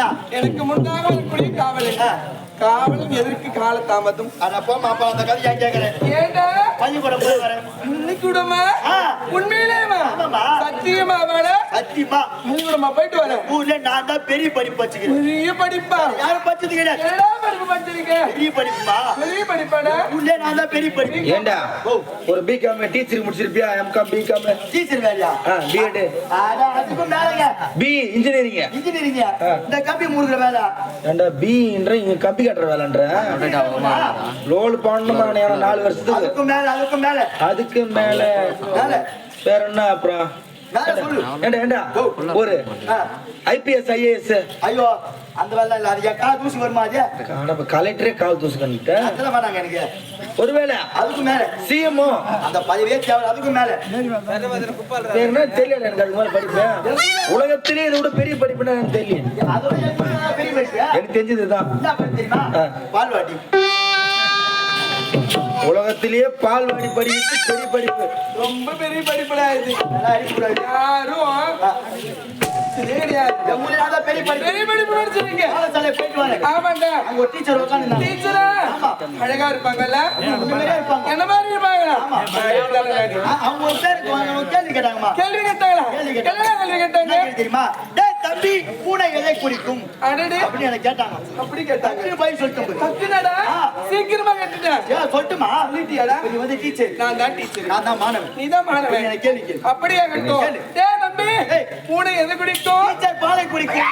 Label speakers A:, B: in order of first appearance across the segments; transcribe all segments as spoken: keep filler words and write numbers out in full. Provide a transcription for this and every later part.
A: எனக்கு முன்னாக இருக்கக்கூடிய காவலன் காவலன் எதற்கு கால தாமதம்?
B: அட போமா அப்ப அந்த கதை ஏன் கேக்குறேன்?
A: ஏண்டா
B: பள்ளிக்கூடம் போய் வரேன்.
A: பள்ளிக்கூடமா? உண்மையிலேவா?
B: ஆமாமா.
A: சத்தியமா வாடா?
B: சத்தியமா.
A: பள்ளிக்கூடமா போயிட்டு வரேன்.
B: ஊர்ல நான் தான் பெரிய படிப்பு வச்சுக்கிறேன்.
A: பெரிய படிப்பா?
B: யாரும் படிச்சது கிடையாது.
A: என்னடா படிப்பு படிச்சிருக்க?
B: பெரிய படிப்புமா?
A: பெரிய படிப்பாடா?
B: ஊர்ல நான் தான் பெரிய படிப்பு.
C: ஏண்டா ஒரு பிகாம் டீச்சர் முடிச்சிருப்பியா? எம்காம் பிகாம்
B: டீச்சர் வேலையா?
C: பிஎட்
B: அட அதுக்கும் மேலங்க.
C: B engineering
B: engineering. இந்த கம்பி மூடுற வேலை.
C: ஏண்டா பின்ற இங்க கம்பி கட்டுற வேலைன்ற லோல் பண்ணணுமா நாலு வருஷத்துக்கு?
B: அதுக்கும் மேல அதுக்கும் மேல
C: அதுக்கு மேல
B: மேல
C: வேற என்ன அப்புறம்?
B: மேல சொல்லு.
C: ஏண்டா ஏண்டா ஒரு ஐபிஎஸ் ஐஏஎஸ்.
B: ஐயோ அந்த வேலை இல்ல. அது எக்கா தூசி வருமா? அது
C: கலெக்டரே கால் தூசு கண்டிட்ட
B: அதெல்லாம் வேணாங்க எனக்கு.
C: ஒருவேளை
B: அதுக்கு மேல
C: சிஎம்ஓ
B: அந்த பதவியே தேவை. அதுக்கு மேல
C: என்ன தெரியல எனக்கு. அது மாதிரி படிப்பேன் உலகத்திலே இதை விட பெரிய படிப்புன்னா எனக்கு தெரியல.
B: அதோட பெரிய படிப்பு
C: எனக்கு தெரிஞ்சதுதான்.
B: என்ன படிப்பு தெரியுமா? பால்வாடி.
C: உலகத்திலேயே பால்வாடி படிப்பு பெரிய படிப்பு.
A: ரொம்ப பெரிய படிப்புடா இது.
B: நல்லா அடிக்கூடாது.
A: யாரும்
B: பெரிய படிப்பு
A: பெரிய படிப்பு படிச்சிருக்கீங்க.
B: பாடசாலை போயிட்டு வரேன்.
A: ஆமாண்டா.
B: அங்க ஒரு டீச்சர் உட்கார்ந்து
A: டீச்சரா? அழகா இருப்பாங்கல்ல?
B: இருப்பாங்க.
A: என்ன மாதிரி இருப்பாங்களா?
B: அவங்க ஒரு பேருக்கு வாங்க கேள்வி கேட்டாங்கம்மா.
A: கேள்வி கேட்டாங்களா?
B: கேள்வி கேட்டாங்க.
A: என்ன கேள்வி கேட்டாங்க
B: தெரியுமா? டேய் தம்பி பூனை எதை குறிக்கும்
A: அடடே
B: அப்படி எனக்கு கேட்டாங்க.
A: அப்படி கேட்டாங்க.
B: டக்குனு பதில் சொல்லிட்டேன்.
A: தக்குனடா சீக்கிரமா கேட்டுட்டேன்.
B: ஏன் சொல்லட்டுமா?
A: சொல்லிட்டியாடா?
B: நீ வந்து டீச்சர்.
A: நான் தான் டீச்சர்.
B: நான் தான் மாணவன்.
A: நீ தான் மாணவன்.
B: எனக்கு கேள்வி கேளு.
A: அப்படியே கேட்டோம். டேய் தம்பி பூனை எதை குடிக்கும்?
B: டீச்சர் பாலை குடிக்கும்.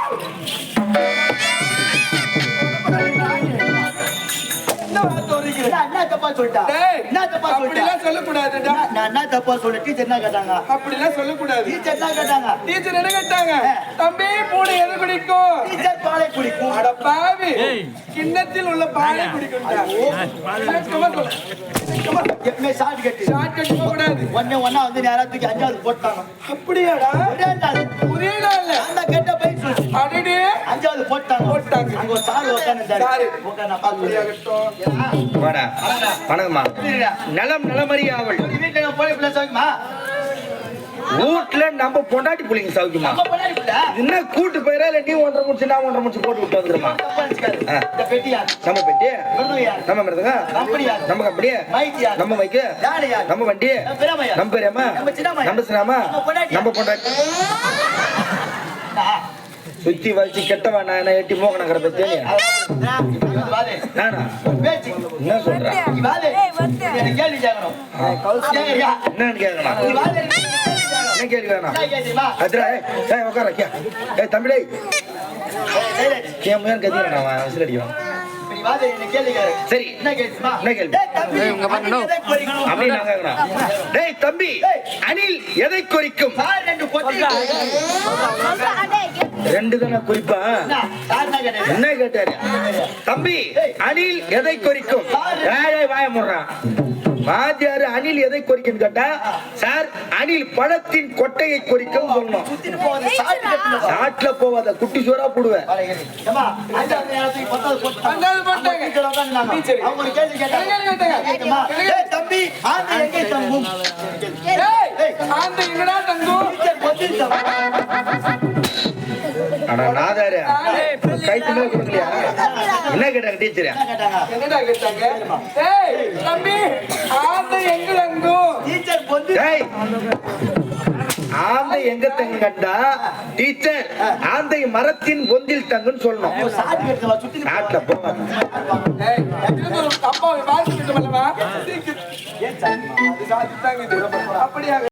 A: என்ன வார்த்தை வருகிறது?
B: நான் என்ன தப்பா சொல்லிட்டா?
A: டேய்
B: என்ன தப்பா சொல்லிட்டா?
A: அப்படிலாம் சொல்ல கூடாதுடா.
B: நான் என்ன தப்பா சொல்ல? டீச்சர் என்ன கேட்டாங்க?
A: அப்படிலாம் சொல்ல கூடாது.
B: டீச்சர் என்ன கேட்டாங்க?
A: டீச்சர் என்ன கேட்டாங்க? தம்பி பூனை எதை குடிக்கும்?
B: டீச்சர் பாலை குடிக்கும்.
A: அட பாவி கிண்ணத்தில் உள்ள பாலை குடிக்கும்டா. சும்மா சொல்லு. சும்மா
B: எப்பமே ஷார்ட் கட்.
A: ஷார்ட் கட் போக கூடாது.
B: ஒண்ணே ஒண்ணா வந்து நேரா தூக்கி அஞ்சாவது போட்டாங்க.
A: அப்படியாடா?
B: ஒரே நாள்.
A: ஒரே நாள்ல
B: அந்த கெட்ட போய் சொல்லு.
A: அடடே
B: அஞ்சாவது போட்டாங்க.
A: போட்டாங்க.
B: அங்க ஒரு சாரு உட்கார்ந்தாரு.
A: சாரு.
B: உட்கார்ந்து நான் பாத்துறேன்.
C: வாடா வணக்கம்மா. நலம் நலமறிய அவள்
B: வீட்டுல நான் போய் பிள்ளை சௌக்கியமா?
C: வீட்டுல நம்ம பொண்டாட்டி புள்ளிங்க சௌக்கியமா?
B: நம்ம பொண்டாட்டி பிள்ளை.
C: என்ன கூட்டு போயிரா இல்ல நீ ஒன்றரை முடிச்சு நான் ஒன்றரை முடிச்சு போட்டு விட்டு வந்துருமா?
B: தப்பா நினைச்சுக்காது. இந்த பெட்டி யார்?
C: நம்ம பெட்டி
B: மிருது யார்?
C: நம்ம மிருதுங்க
B: கம்பெனி யார்?
C: நம்ம கம்பெனி
B: மைக் யார்?
C: நம்ம மைக்கு
B: யாரு யார்?
C: நம்ம வண்டி
B: நம்ம பெரியம்மா யார்?
C: நம்ம பெரியம்மா
B: நம்ம சின்னம்மா யார்?
C: நம்ம சின்னம்மா
B: நம்ம பொண்டாட்டி
C: நம்ம பொண்டாட்டி சுத்தி வச்சு கெட்டவா நான் எட்டி மோக நகர பத்தி நானா
B: பேச்சு
C: என்ன சொல்றேன்?
B: நீ வாதே. எனக்கு கேள்வி கேட்கணும். கேக்குறியா?
C: என்னன்னு கேட்கலாம்?
B: நீ வாதே.
C: என்ன கேள்வி வேணாம்?
B: என்ன கேட்குமா?
C: அதுரா ஏய் உட்கார கே ஏய் தம்பிடே கேம் ஏன் கத்திர நான் விசில் அடிக்கிறேன்.
B: நீ வாதே. என்ன கேள்வி கேட்க.
C: சரி
B: என்ன கேட்குமா?
C: என்ன கேள்வி?
B: டேய் தம்பி உங்க பண்ணு.
C: அப்படி நான் கேக்குறேன். டேய் தம்பி அணில் எதை குறிக்கும்?
B: சார் ரெண்டு பொட்டி.
C: ரெண்டு தான குறிப்பா?
B: சார் என்ன கேட்டாரு?
C: என்ன கேட்டாரு? தம்பி அணில் எதை குறிக்கும்? ஏய் வாய மூடுறான். வாத்தியாரு அணில் எதை குறிக்கும் கேட்டா சார் அணில் பழத்தின் கொட்டையை குறிக்கும் சொல்லணும்.
B: சுத்திட்டு போவாத சாட் கட்டல.
C: சாட்ல போவாத குட்டி சோறா போடுவேன்.
B: ஏமா அஞ்சாவது நேரத்துக்கு பத்தாவது போட்டு
A: அஞ்சாவது போட்டாங்க.
B: டீச்சர் உட்கார்ந்தாங்க. அவங்க ஒரு கேள்வி கேட்டாங்க.
A: கேள்வி கேட்டாங்க.
B: கேக்குமா? டேய் தம்பி ஆந்தை எங்கே தங்கும்?
A: ஏய் ஆந்த எங்கடா தங்கும்?
B: டீச்சர் பொத்தி தங்கும்.
C: அட நாதாரே கைத்து மேல கொடுக்கலையா? என்ன கேட்டாங்க டீச்சர்?
B: என்ன கேட்டாங்க?
A: என்னடா கேட்டாங்க? ஏய் தம்பி ஆந்த எங்க தங்கும்?
B: டீச்சர் பொத்தி
C: டேய் ஆந்தை எங்க தங்கு கண்டா டீச்சர் ஆந்தை மரத்தின் பொந்தில் தங்குன்னு சொல்லணும்.
B: சாட் கட்டல சுத்திட்டு
C: நாட்டுல போவாங்க.
A: ஏய் இது ஒரு அப்பா பாத்து கிட்ட வரவா? ஏன் சார் அது சாத்தி தாங்க இது அப்படியே